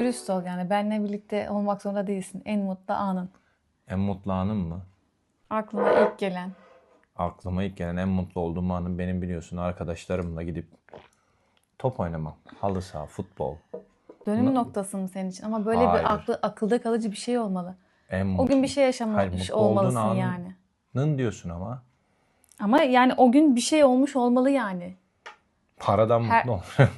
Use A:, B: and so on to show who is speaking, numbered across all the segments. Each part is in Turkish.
A: dürüst ol yani. Benle birlikte olmak zorunda değilsin. En mutlu anın.
B: En mutlu anım mı?
A: Aklına ilk gelen.
B: Aklıma ilk gelen en mutlu olduğum anım benim biliyorsun arkadaşlarımla gidip top oynamam. Halı saha, futbol.
A: Dönüm noktası mı senin için? Ama böyle
B: Hayır.
A: bir akılda kalıcı bir şey olmalı.
B: En
A: O gün bir şey yaşamış
B: Hayır, mutlu olduğun
A: olmalısın yani.
B: anın diyorsun ama.
A: Ama yani o gün bir şey olmuş olmalı yani.
B: Paradan mutlu olurum.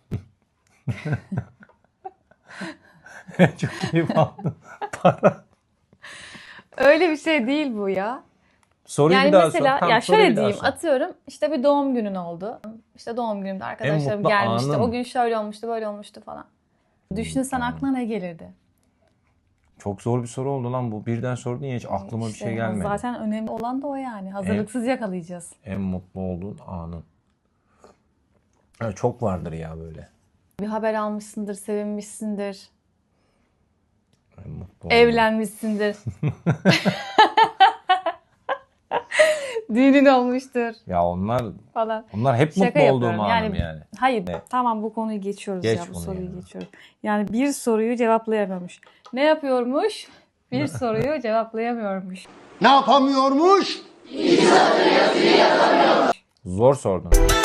B: Çok keyif aldım. Para.
A: Öyle bir şey değil bu ya.
B: Soruyu
A: Yani
B: bir daha
A: mesela
B: sor. Tamam,
A: ya
B: soruyu
A: şöyle
B: bir daha
A: diyeyim,
B: sor.
A: atıyorum işte bir doğum günün oldu. İşte doğum günümde arkadaşlarım
B: mutlu
A: gelmişti.
B: anın.
A: O gün şöyle olmuştu, böyle olmuştu falan. Düşünsen aklına ne gelirdi?
B: Çok zor bir soru oldu lan bu. Birden sordun ya hiç aklıma bir
A: İşte
B: şey gelmedi.
A: zaten önemli olan da o yani. Hazırlıksız yakalayacağız.
B: En mutlu olduğun anın. Evet, çok vardır ya böyle.
A: Bir haber almışsındır, sevinmişsindir,
B: En mutlu olduğun.
A: evlenmişsindir. Düğünün olmuştur
B: Ya onlar
A: falan.
B: hep
A: Şaka
B: mutlu olduğum
A: yapıyorum.
B: anım yani.
A: Hayır,
B: Evet.
A: tamam bu konuyu geçiyoruz
B: Geç
A: ya. Bu
B: bunu
A: soruyu
B: ya.
A: geçiyoruz. Yani bir soruyu cevaplayamamış. Ne yapıyormuş? Bir soruyu cevaplayamıyormuş.
C: Ne yapamıyormuş?
B: Zor sordun.